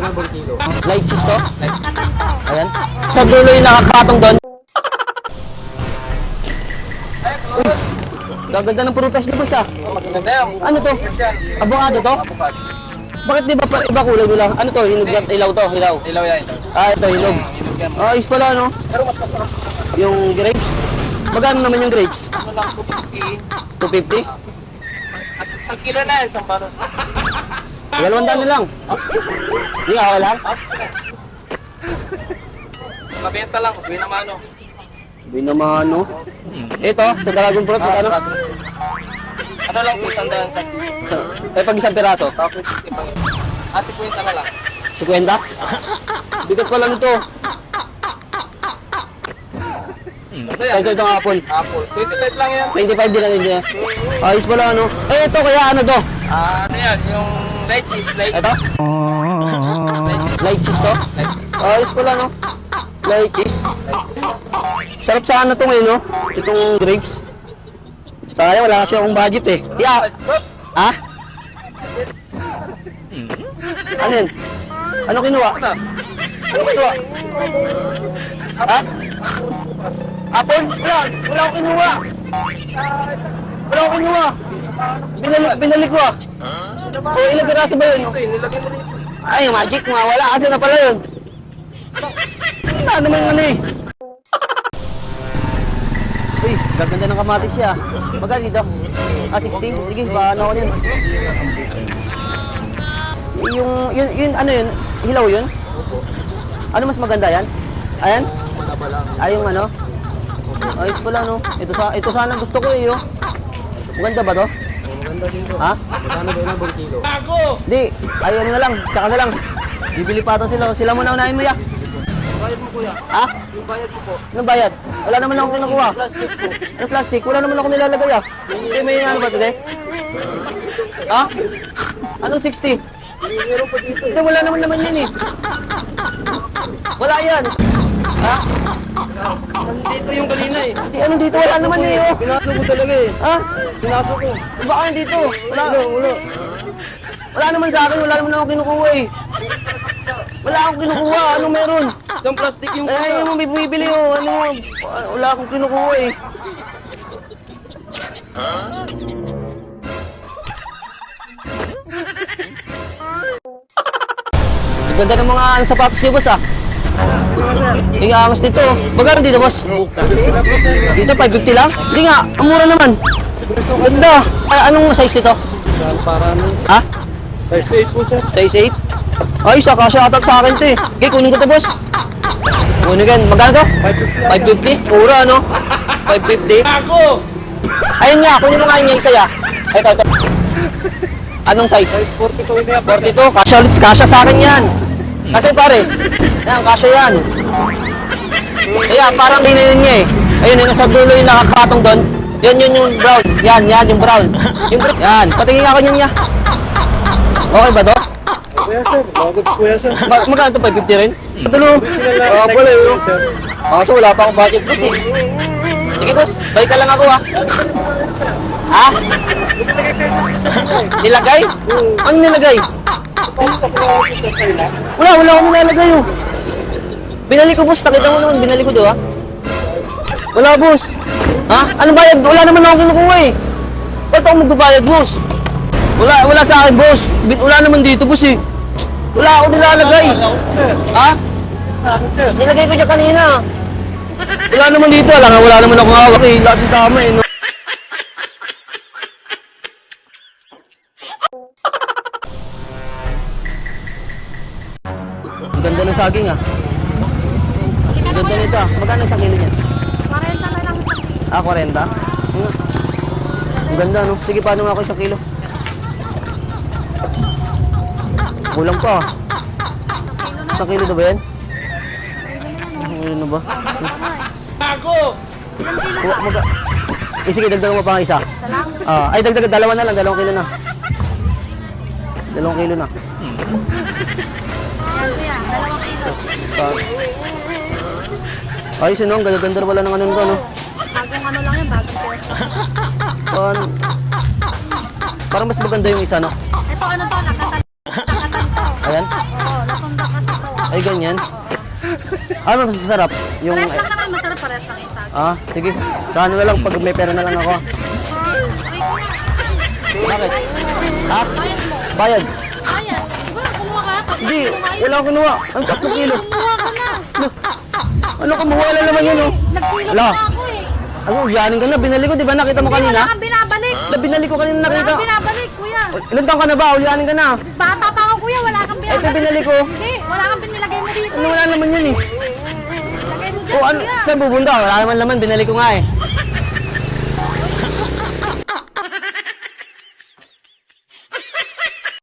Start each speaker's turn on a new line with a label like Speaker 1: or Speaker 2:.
Speaker 1: Light cheese to? Ayan. Sa dulo yung nakapatong doon. Uy, gaganda ng prutas niyo boss ah. Ano to? Avocado to? Bakit di ba iba kulay nila? Ano to? Hinog at ilaw to? Hilaw?
Speaker 2: Ilaw yan.
Speaker 1: Ah, ito hinog. Ah, is pala no?
Speaker 2: Pero mas masarap.
Speaker 1: Yung grapes? Magkano naman yung grapes?
Speaker 2: Ano lang, 250.
Speaker 1: 250?
Speaker 2: Isang kilo na yan, isang baro.
Speaker 1: 200 na lang. Hindi ka wala?
Speaker 2: Mabenta lang, binamano.
Speaker 1: Binamano. Ito, sa dragon fruit, ano?
Speaker 2: Ano lang po, sandaan sa...
Speaker 1: Pag isang piraso?
Speaker 2: Tapos, ipang... 50 na lang.
Speaker 1: 50? Bigat pala nito.
Speaker 2: Ano yan?
Speaker 1: Ito itong apple.
Speaker 2: Apple. 25 lang yan.
Speaker 1: 25 din natin dyan. Ayos pala ano. Eh ito kaya ano to?
Speaker 2: Ano yan? Yung light cheese, light
Speaker 1: Ito? Light cheese to? Ayos pala no. Light cheese. Sarap sa ano to ngayon no? Itong grapes. Sayang wala kasi akong budget eh. Yeah.
Speaker 2: Boss,
Speaker 1: Ha? Ano yun? Ano kinuha? Ano kinuha? Ha? Apple? Wala! Wala akong kinuha! Wala akong kinuha! Binalik ko ah! O ilang piraso ba yun?
Speaker 2: okay, nilagyan mo rin.
Speaker 1: Ay, magic nga! Wala kasi na pala yun! Wala naman ano eh! Uy, gaganda ng kamatis siya. Magkano dito? Ah, 60? Sige, paano ako yun? Yun, ano yun? Hilaw yun? Ano mas maganda yan? Ayan? Ay, yung ano? Ayos pala, no? Ito sana gusto ko eh, oh. Maganda ba to?
Speaker 2: Maganda din to.
Speaker 1: Ha?
Speaker 2: Magkano ba yun ang kilo?
Speaker 1: Di, ay ano na lang, tsaka na lang. Bibili pa ito sila. Sila muna unahin mo ya.
Speaker 2: Bayad mo kuya.
Speaker 1: Ha?
Speaker 2: Yung bayad mo po.
Speaker 1: Anong bayad? Wala naman akong kinukuha.
Speaker 2: Plastic po.
Speaker 1: Ano plastic? Wala naman akong nilalagay ah. Hindi may ano ba ito, de? Ha? Anong 60?
Speaker 2: Meron po dito
Speaker 1: Hindi, wala naman yan eh. Wala yan. Ha?
Speaker 2: Dito yung kanina eh.
Speaker 1: Di, anong dito? Wala naman eh, oh.
Speaker 2: Pinaso ko talaga eh.
Speaker 1: Ha?
Speaker 2: Pinaso ko.
Speaker 1: Baka dito. Wala. Wala naman sa akin. Wala naman akong kinukuha eh. Wala akong kinukuha. Anong meron?
Speaker 2: Isang plastic yung
Speaker 1: Eh, yung may bumibili oh. Ano, wala akong kinukuha eh. Ang ganda ng mga sapatos niyo, boss ah. Hindi nga angas dito. Magkano dito, boss? Dito, 550 lang? Hindi nga, ang mura naman. Ganda. Ay, anong size nito?
Speaker 2: para ano?
Speaker 1: Ha?
Speaker 2: Size 8 po sir.
Speaker 1: Size 8? Ay, saka siya ata sa akin to eh. Okay, kunin ko to, boss. Kunin ko yan. Magkano to? 550? Mura, no? 550?
Speaker 2: Ako!
Speaker 1: Ayun nga, kunin mo nga yung isa ya. Ito. Anong size?
Speaker 2: Size 42 na yan.
Speaker 1: 42. Kasya ulit, kasya sa akin yan. Kasi pares. Yan, kasya yan. Kaya parang din yun niya eh. Ayun, yung nasa dulo yung nakapatong doon. Yun yung brown. Yan, yung brown. Yan, patingin ako niyan niya. Okay ba to?
Speaker 2: Kuya sir, bagets kuya sir.
Speaker 1: Magkano to? 550 rin? Dulo. Pala yun. Kaso wala pa akong budget boss eh. Sige boss, balik ka lang ako ah. Ha? Nilagay? Ano nilagay? Wala akong nilalagay oh. Binalik ko boss, nakita mo naman, binalik ko doon ah. Wala boss. Ha? Ano bayad? Wala naman akong kinukuha eh. Ba't ako magbabayad boss? Wala sa akin boss. Wala naman dito boss eh. Wala akong nilalagay. Ha? Nilagay ko dyan kanina. Wala naman dito. Wala naman akong hawak eh. Lahat yung tama eh. No? Ang ganda ng saging ah. Ang ganda nito ah. Magkano sa kilo niyan?
Speaker 3: 40 na lang.
Speaker 1: Ah, 40? Ang ganda no? Sige, paano nga ako isang kilo? Kulang pa ah. Isang kilo na ba yan? Isang kilo na ba?
Speaker 2: Ako!
Speaker 1: Sige, dagdagan mo pa nga isa.
Speaker 3: Lang.
Speaker 1: Ay, dalawa na lang. 2 kilo na. 2 kilo na.
Speaker 3: Yan kuya, 2 kilo.
Speaker 1: Ayos yun, no? Ang ganda wala ng ano nito, no?
Speaker 3: Bagong ano lang yan, bagong pera.
Speaker 1: Parang mas maganda yung isa, no?
Speaker 3: Ito ano to, nakatan to.
Speaker 1: Ayan.
Speaker 3: Oo, latong
Speaker 1: Ay, ganyan. Ano mas masarap? Yung...
Speaker 3: Pares lang naman, masarap pares lang yung tag.
Speaker 1: Ah, sige. Kano na lang pag may pera na lang ako. Bakit? Ha?
Speaker 3: Bayad mo.
Speaker 1: Bayad?
Speaker 3: Bayad. Diba, kumuha ka? Tapos
Speaker 1: Hindi,
Speaker 3: kumain.
Speaker 1: wala akong kinuha. Ang 3 kilo.
Speaker 3: Kumuha ka na.
Speaker 1: Ano ka, wala naman yun, oh.
Speaker 3: Nagkilo
Speaker 1: Ala.
Speaker 3: na ako eh.
Speaker 1: Ano, yanin ka na. Binali ko, di ba? Nakita mo
Speaker 3: Hindi,
Speaker 1: kanina?
Speaker 3: wala kang binabalik.
Speaker 1: Binali ko kanina
Speaker 3: Wala
Speaker 1: nakita.
Speaker 3: kang binabalik, kuya.
Speaker 1: Ilan taon ka na ba? Ulyanin ka na.
Speaker 3: Bata pa ako, kuya. Wala kang binabalik.
Speaker 1: Ito binali ko.
Speaker 3: Hindi, wala kang binilagay mo dito.
Speaker 1: Ano, wala naman yun eh.
Speaker 3: Lagay mo dyan,
Speaker 1: O ano,
Speaker 3: kuya.
Speaker 1: saan bubunda? Wala naman laman, binali ko nga eh.